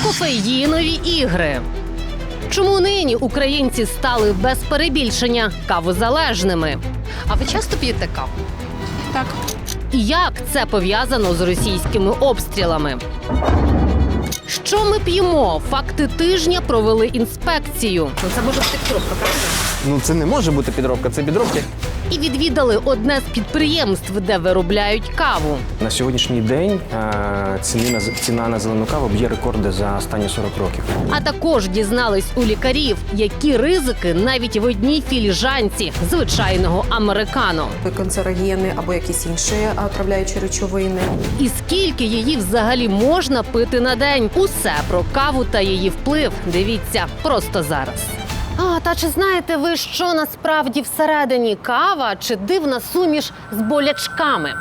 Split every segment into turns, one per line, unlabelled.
Кофеїнові ігри. Чому нині українці стали без перебільшення кавозалежними? А ви часто п'єте каву?
Так.
І як це пов'язано з російськими обстрілами? Що ми п'ємо? Факти тижня провели інспекцію.
Це може бути підробка, правда?
Ну це не може бути підробка, це підробки.
І відвідали одне з підприємств, де виробляють каву.
На сьогоднішній день ціна на зелену каву б'є рекорди за останні 40 років.
А також дізнались у лікарів, які ризики навіть в одній філіжанці звичайного американо.
Канцерогени або якісь інші отравляючі речовини.
І скільки її взагалі можна пити на день? Усе про каву та її вплив дивіться просто зараз. Та чи знаєте ви, що насправді всередині кава чи дивна суміш з болячками?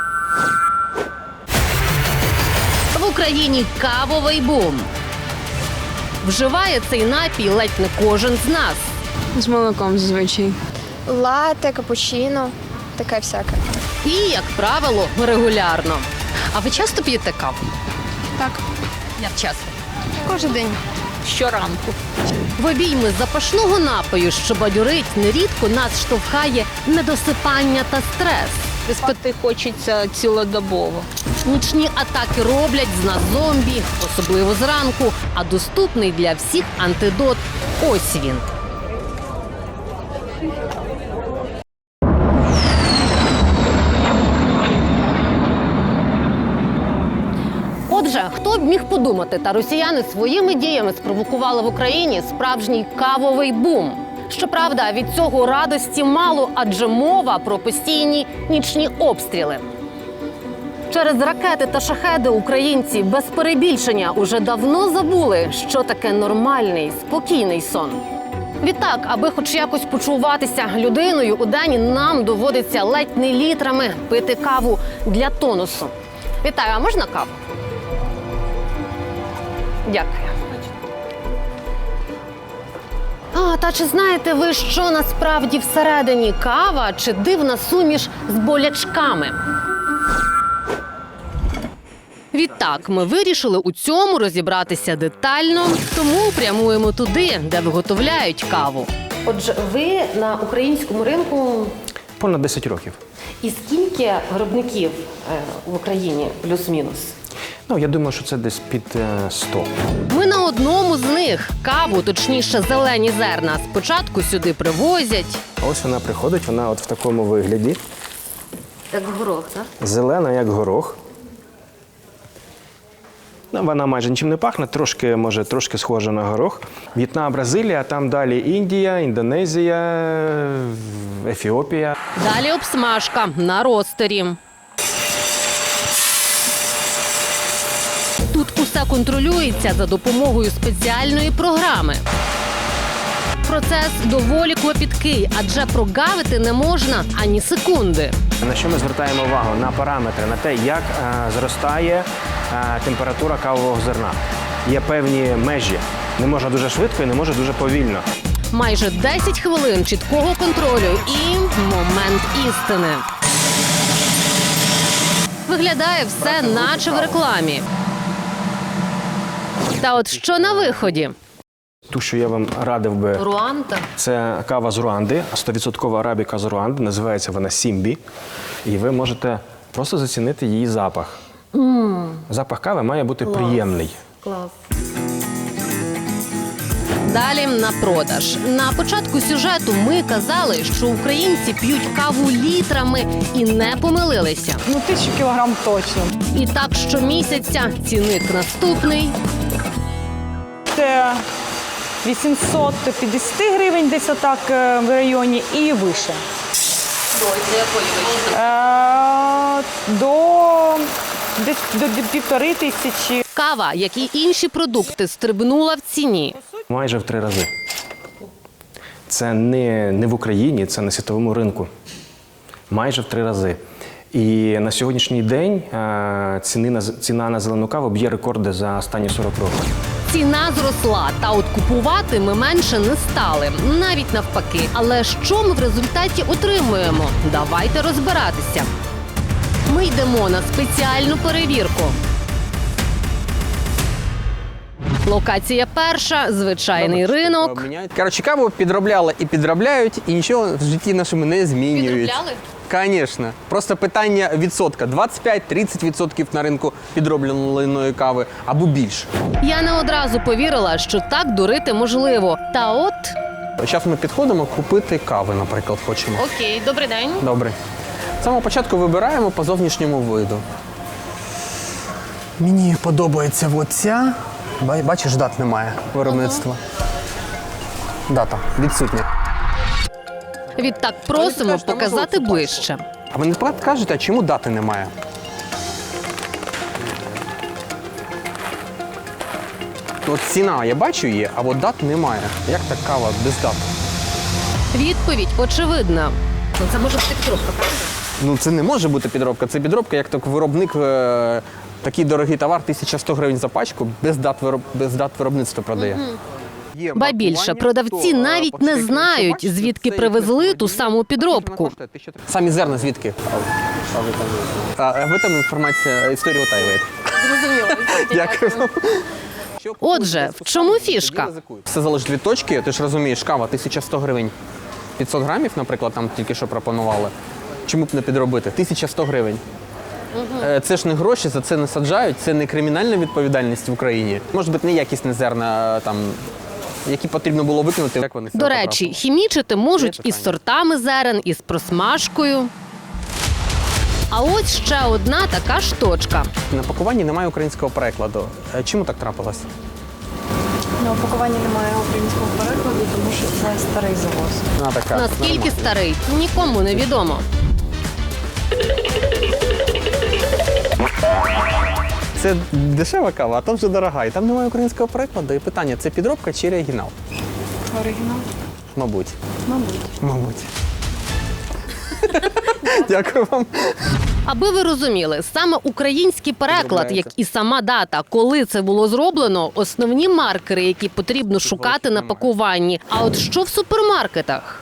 В Україні кавовий бум. Вживає цей напій ледь не кожен з нас.
З молоком зазвичай.
Лате, капучино, таке всяке.
І, як правило, регулярно.
А ви часто п'єте каву?
Так.
Як часто?
Кожен день.
Щоранку.
В обійми запашного напою, що бадьорить, нерідко нас штовхає недосипання та стрес.
Спати хочеться цілодобово.
Нічні атаки роблять з нас зомбі, особливо зранку, а доступний для всіх антидот – ось він. Отже, хто б міг подумати, та росіяни своїми діями спровокували в Україні справжній кавовий бум. Щоправда, від цього радості мало, адже мова про постійні нічні обстріли. Через ракети та шахеди українці без перебільшення уже давно забули, що таке нормальний, спокійний сон. Відтак, аби хоч якось почуватися людиною, у день нам доводиться ледь не літрами пити каву для тонусу. Вітаю, а можна каву? Дякую. Та чи знаєте ви, що насправді всередині кава чи дивна суміш з болячками? Відтак, ми вирішили у цьому розібратися детально, тому прямуємо туди, де виготовляють каву. Отже, ви на українському ринку
Понад 10 років.
і скільки виробників в Україні плюс-мінус?
Ну, я думаю, що це десь під 100.
Ми на одному з них. Каву, точніше зелені зерна, спочатку сюди привозять.
Ось вона приходить, вона от в такому вигляді.
Як горох, так?
Зелена, як горох. Ну, вона майже нічим не пахне, трошки схожа на горох. В'єтнам, Бразилія, там далі Індія, Індонезія, Ефіопія.
Далі обсмажка на ростері. Тут усе контролюється за допомогою спеціальної програми. Процес доволі клопіткий, адже прогавити не можна ані секунди.
На що ми звертаємо увагу? На параметри, на те, як зростає температура кавового зерна. Є певні межі. Не можна дуже швидко і не може дуже повільно.
Майже 10 хвилин чіткого контролю і момент істини. Виглядає все наче в рекламі. Та от що на виході?
Ту, що я вам радив би,
Руанда.
це кава з Руанди, 100% арабіка з Руанди, називається вона Сімбі. І ви можете просто зацінити її запах. Запах кави має бути приємний.
Клас. Далі на продаж. На початку сюжету ми казали, що українці п'ють каву літрами і не помилилися.
1000 кілограм точно.
І так щомісяця цінник наступний.
Це 850 гривень десь отак в районі і вище. Десь до 1500.
Кава, як і інші продукти, стрибнула в ціні.
Майже в 3 рази. Це не в Україні, це на світовому ринку. Майже в 3 рази. І на сьогоднішній день ціна на зелену каву б'є рекорди за останні 40 років.
Ціна зросла, та от купувати ми менше не стали. Навіть навпаки. Але що ми в результаті отримуємо? Давайте розбиратися. Ми йдемо на спеціальну перевірку. Локація перша – звичайний ринок.
Коротше, каву підробляли і підробляють, і нічого в житті нашому не змінюють. Звісно. Просто питання відсотка. 25-30% на ринку підробленої кави або більше.
Я не одразу повірила, що так дурити можливо. Та от…
Зараз ми підходимо купити кави, наприклад, хочемо.
Окей, добрий день.
Добре. З самого початку вибираємо по зовнішньому виду. Мені подобається оця. Бачиш, дат немає виробництва. Дата відсутня.
Відтак просимо показати ближче.
А ви не кажете, а чому дати немає? От ціна, я бачу її, а от дат немає. Як так кава без дати?
Відповідь очевидна. Ну, це може бути підробка, правда?
Ну це не може бути підробка. Це підробка, як так виробник такий дорогий товар, 1100 гривень за пачку, без дат виробництва продає. Є
Ба більше,
маркування,
продавці
то,
навіть
по
не
всіх
знають,
бачите,
звідки
це
привезли
якесь
ту саму підробку.
Самі зерна звідки? Ви там інформація, історію утаюєте. Дякую вам.
Отже, в чому фішка?
Все залежить від точки, ти ж розумієш, кава 1100 гривень. 500 грамів, наприклад, там тільки що пропонували. Чому б не підробити? 1100 гривень. Це ж не гроші, за це не саджають, це не кримінальна відповідальність в Україні. Може бути, неякісне зерна, там, які потрібно було викинути. Як вони
До речі, хімічити можуть із сортами зерен, із просмажкою. А ось ще одна така штучка.
На пакуванні немає українського перекладу. Чому так трапилось?
На упакуванні немає українського перекладу, тому що це старий завоз.
Така,
Наскільки
нормально.
старий, нікому не відомо.
Це дешева кава, а то вже дорога. І там немає українського перекладу. І питання, це підробка чи оригінал?
Оригінал?
Мабуть.
Мабуть.
Мабуть. Дякую вам.
Аби ви розуміли, саме український переклад,
Підробляється.
як і сама дата, коли це було зроблено, основні маркери, які потрібно шукати на пакуванні. А от що в супермаркетах?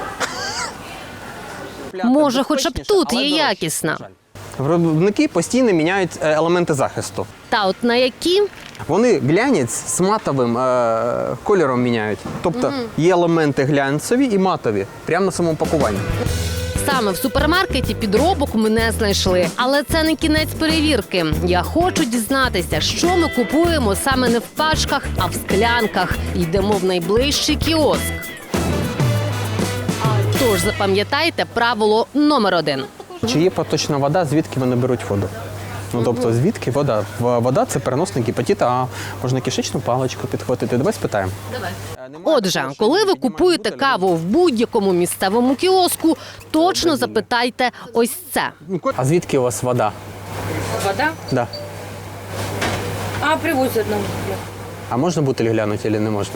Може, хоча б тут є якісна.
Виробники постійно міняють елементи захисту.
Та от на які?
Вони глянець з матовим кольором міняють. Тобто є елементи глянцеві і матові, прямо на самому пакуванні.
Саме в супермаркеті підробок ми не знайшли. Але це не кінець перевірки. Я хочу дізнатися, що ми купуємо саме не в пачках, а в склянках. Йдемо в найближчий кіоск. Тож запам'ятайте правило номер 1.
Чи є поточна вода, звідки вони беруть воду? Ну, тобто, звідки вода? Вода – це переносник гепатита А. Можна кишечну паличку підхватити. Давай спитаємо.
Отже, коли ви купуєте каву в будь-якому місцевому кіоску, точно запитайте ось це.
А звідки у вас вода?
Вода?
Да.
А, привозять нам.
А можна бутиль глянути, чи не можна?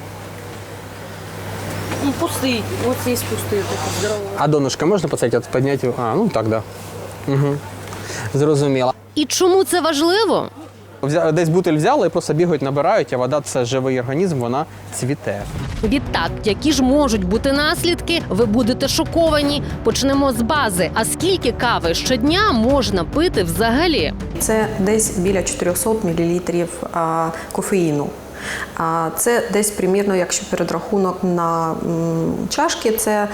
Ну, пустий. Ось є пустий, такий здоровий.
А донышко можна поставити, підняти? А, ну так, да. Угу. Зрозуміло.
І чому це важливо?
Десь бутиль взяли і просто бігають, набирають, а вода – це живий організм, вона цвіте.
Відтак, які ж можуть бути наслідки, ви будете шоковані. Почнемо з бази. А скільки кави щодня можна пити взагалі?
Це десь біля 400 мл кофеїну. Це десь примірно, якщо передрахунок на чашки, це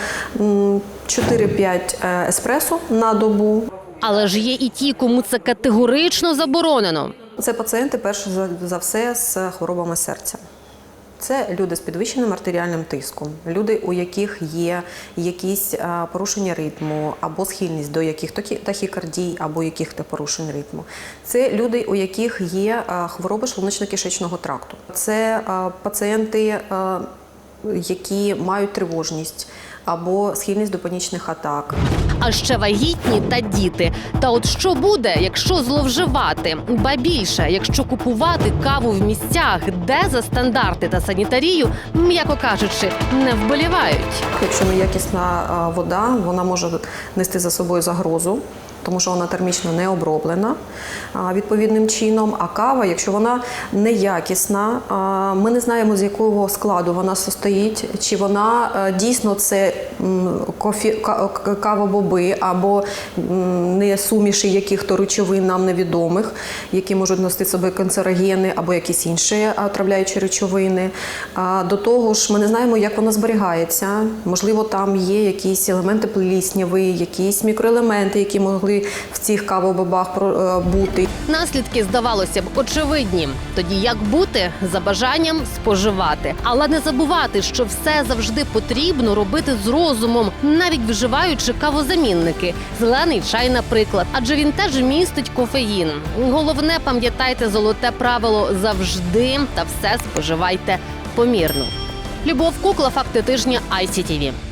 4-5 еспресо на добу.
Але ж є і ті, кому це категорично заборонено.
Це пацієнти, перш за все, з хворобами серця. Це люди з підвищеним артеріальним тиском, люди, у яких є якісь порушення ритму або схильність до яких тахікардій або яких-то порушень ритму. Це люди, у яких є хвороби шлуночно-кишечного тракту. Це пацієнти, які мають тривожність або схильність до панічних атак.
А ще вагітні та діти. Та от що буде, якщо зловживати? Ба більше, якщо купувати каву в місцях, де за стандарти та санітарію, м'яко кажучи, не вболівають.
Якщо неякісна вода, вона може нести за собою загрозу тому що вона термічно не оброблена відповідним чином. А кава, якщо вона неякісна, ми не знаємо, з якого складу вона состоїть, чи вона дійсно це кавобоби або не суміші яких-то речовин нам невідомих, які можуть носити собі канцерогени або якісь інші отравляючі речовини. До того ж, ми не знаємо, як вона зберігається. Можливо, там є якісь елементи плісняви, якісь мікроелементи, які могли в цих кавобобах бути.
Наслідки, здавалося б, очевидні. Тоді як бути? За бажанням споживати. Але не забувати, що все завжди потрібно робити з розумом, навіть вживаючи кавозамінники. Зелений чай, наприклад, адже він теж містить кофеїн. Головне, пам'ятайте золоте правило – завжди та все споживайте помірно. Любов Кукла, факти тижня ICTV.